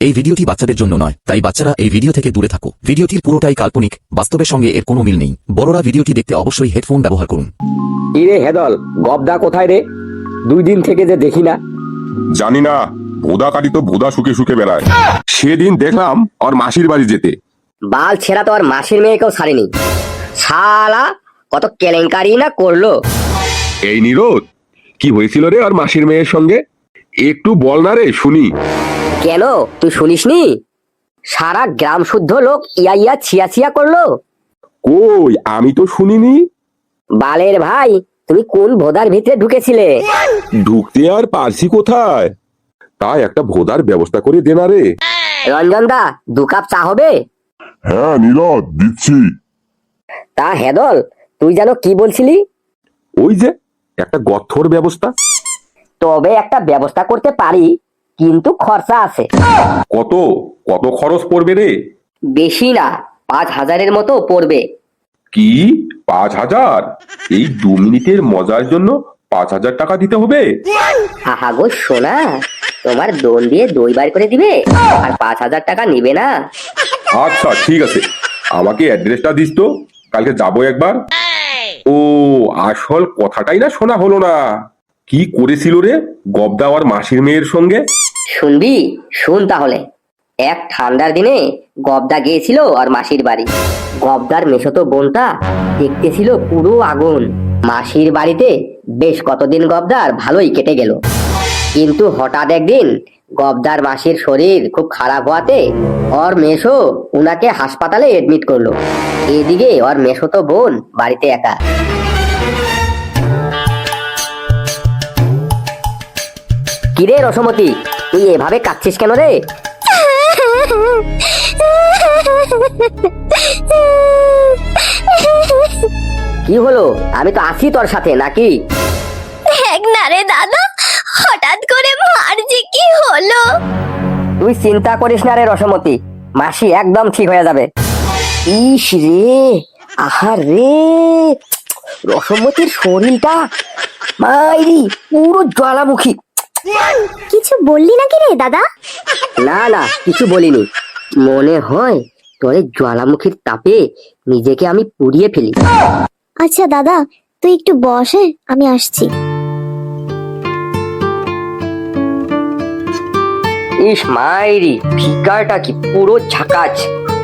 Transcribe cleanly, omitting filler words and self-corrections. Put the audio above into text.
এই ভিডিওটি বাচ্চাদের জন্য নয়, তাই বাচ্চারা এই ভিডিও থেকে দূরে থাকো। ভিডিওটির পুরোটাই কাল্পনিক, বাস্তবের সঙ্গে এর কোনো মিল নেই। বড়রা ভিডিওটি দেখতে অবশ্যই হেডফোন ব্যবহার করুন। ইরে হেদল, গবদা কোথায় রে? 2 দিন থেকে যে দেখি না। জানি না, ভোদা কাটি তো ভোদা শুকে শুকে বেড়ায়। সেদিন দেখলাম ওর মাসির বাড়ি যেতে। বাল ছেঁড়া তো আর মাসির মেয়েকেও ছাড়েনি। শালা কত কেলেঙ্কারি না করলো। এই নিরোধ, কি হয়েছিল রে ওর মাসির মেয়ের সঙ্গে? একটু বল না রে শুনি। কেন তুই শুনিসনি? সারা গ্রাম শুদ্ধ লোক ইয়া ইয়া ছিয়া ছিয়া করলো। কই, আমি তো শুনিনি। বালের ভাই, তুমি কোন ভোদার ভিতরে ঢুকেছিলে? ঢুকতে আর পারছি কোথায়? তাই একটা ভোদার ব্যবস্থা করে দে না রে। রঞ্জন দা, 2 কাপ চা হবে? হ্যাঁ নিরোধ, দিচ্ছি। তা হেদল, তুই যেন কি বলছিলি? ওই যে একটা গর্থর ব্যবস্থা। তবে একটা ব্যবস্থা করতে পারি, কিন্তু খরচা আছে। কত কত খরচ পড়বে রে? বেশি না, 5,000-এর মতো পড়বে। কি 5,000? এই 2 মিনিটের মজার জন্য 5,000 টাকা দিতে হবে? আহা গো সোনা, তোমার দোন দিয়ে দই বার করে দিবে আর 5,000 টাকা নিবে না? আচ্ছা ঠিক আছে, আমাকে অ্যাড্রেসটা দিস তো, কালকে যাবো একবার। ও, আসল কথাটাই না শোনা হলো না। কি করেছিল রে গবদা আর মাসির মেয়ের সঙ্গে? শুনবি? শুন তাহলে। এক ঠান্ডার দিনে গবদা গিয়েছিল আর মাসির বাড়ি। গবদার মেশতো বোনটা দেখতে ছিল পুরো আগুন। মাসির বাড়িতে বেশ কতদিন গবদার ভালোই কেটে গেল, কিন্তু হঠাৎ একদিন গবদার মাসির শরীর খুব খারাপ হওয়াতে ওর মেশো উনাকে হাসপাতালে এডমিট করলো। এদিকে ওর মেশতো বোন বাড়িতে একা। কিরে রসমতি, তুই এভাবে কাঁদছিস কেন রে? কি হলো? আমি তো আছি তোর সাথে, নাকি? দেখ না রে দাদা, হঠাৎ করে মার যে কি হলো। তুই চিন্তা করিস না রে রসমতি, মাসি একদম ঠিক হয়ে যাবে। ইস রে, আহা রে, রসমতির শরীরটা মাইরি পুরো জ্বালামুখী। কিছু বললি নাকি রে দাদা? না না, কিছু বলিনি। মনে হয় তোর এই জ্বালামুখীর তাপে নিজেকে আমি পুড়িয়ে ফেলি। আচ্ছা দাদা, তুই একটু বসে, আমি আসছি। ইস মাইরি, ফিগারটা কি পুরো ঝাকাচ।